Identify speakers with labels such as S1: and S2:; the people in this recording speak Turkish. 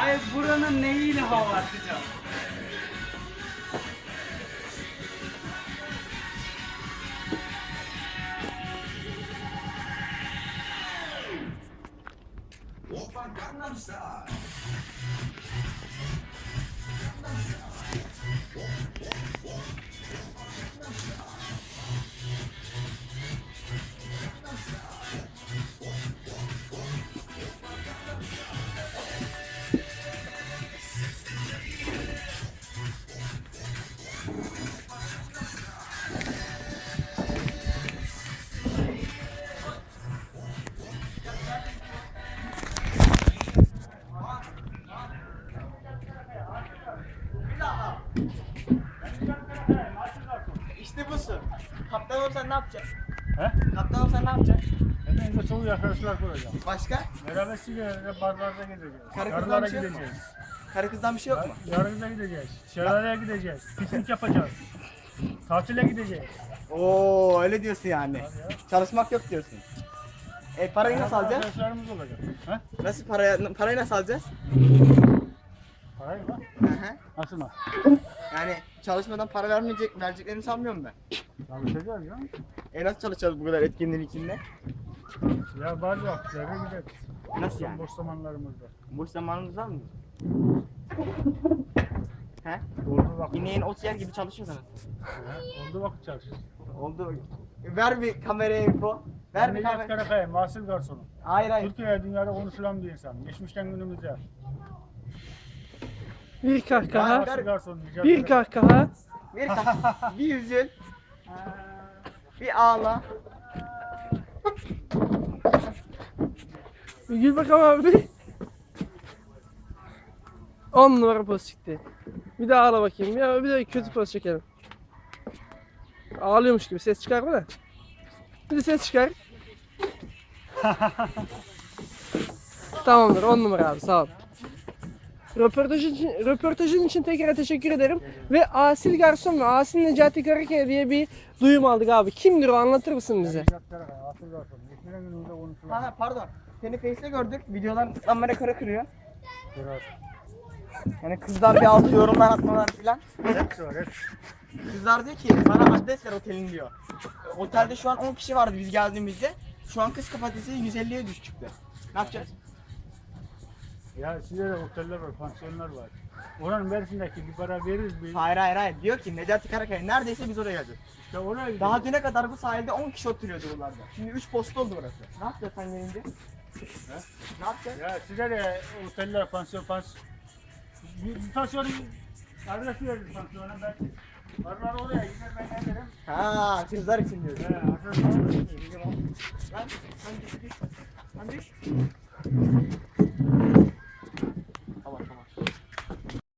S1: Hayır, buranın neyiyle hava atacağım?
S2: İşte busun. Kaptan olsan ne yapacaksın?
S3: He?
S2: Kaptan olsan ne yapacaksın?
S3: Hepimize çok iyi arkadaşlar kuracağım.
S2: Başka?
S3: Beraber sigara barlarda gideceğiz.
S2: Karı kızdan
S3: Karılara
S2: bir şey yok mu?
S3: gideceğiz.
S2: Karı kızdan bir şey yok mu?
S3: Yarın da gideceğiz. Şelaleye gideceğiz. Piknik yapacağız. Tatile gideceğiz.
S2: Oo öyle diyorsun yani.
S3: Hadi ya.
S2: Çalışmak yok diyorsun. Parayı nasıl alacağız?
S3: Arkadaşlarımız olacak. He?
S2: Nasıl parayı nasıl alacağız?
S3: Parayı mı?
S2: Hı hı.
S3: Nasıl mı?
S2: Yani çalışmadan para vereceklerini sanmıyorum ben.
S3: Çalışacağız ya.
S2: Nasıl çalışacağız bu kadar etkinliğin içinde?
S3: Ya bazı vakitlerde gideriz.
S2: Nasıl yani?
S3: Boş zamanlarımızda.
S2: Boş zamanımız var mı? He?
S3: Olduğu vakit.
S2: İneğin ot yer gibi çalışıyorsunuz.
S3: Olduğu vakit çalışırız.
S2: Oldu. Ver bir kameraya info. Ver bir
S3: Necati
S2: kamera.
S3: Karakaya, mahsul garsonu.
S2: Hayır hayır.
S3: Türkiye'ye dünyada konuşulan bir insan. Geçmişten günümüze.
S4: Bir kahkaha,
S3: Mahsul garsonu. Necati
S4: bir
S3: Karakaya.
S4: kahkaha.
S2: Bir üzül. Bir ağla.
S4: Bir gül bakalım abi. 10 numara poz çıktı. Bir daha ağla bakayım. Ya bir de kötü poz çekelim. Ağlıyormuş gibi ses çıkarma da. Bir de ses çıkar. Tamamdır, 10 numara abi, sağ ol. Röportajın için tekrar teşekkür ederim. Ve Asil Garson ve Asil Necati Karakaya diye bir duyum aldık abi. Kimdir o, anlatır mısın bize?
S3: Necati Karakaya, mahsul garsonu. Geçmişten günümüze konuşulan.
S2: Ha pardon. Seni Face'te gördük. Videodan kamera kara kırıyor.
S3: Biraz.
S2: Yani kızlar bir altı yorumlar atmalar filan.
S3: Hepsi var, hepsi.
S2: Kızlar diyor ki bana adres ver otelin diyor. Otelde şu an 10 kişi vardı biz geldiğimizde. Şu an kız kapasitesi 150'ye düş çıktı. Ne yapacağız?
S3: Ya sizde de oteller var, pansiyonlar var. Oranın Mersin'deki bir para veririz bir.
S2: Hayır. Diyor ki Necati Karakaya neredeyse biz oraya geleceğiz.
S3: İşte oraya gidiyoruz.
S2: Daha düne kadar bu sahilde 10 kişi oturuyordu buralarda. Şimdi 3 posta oldu burası. Ne yapacağız sen gelince? Ne yapacağız?
S3: Ya size de oteller, pansiyon. Bir pansiyonun adresi veririz pansiyona. Ben varlar oraya gider, ben ne derim.
S2: Ha kızlar için diyorsun.
S3: Adres alırız.
S2: Ben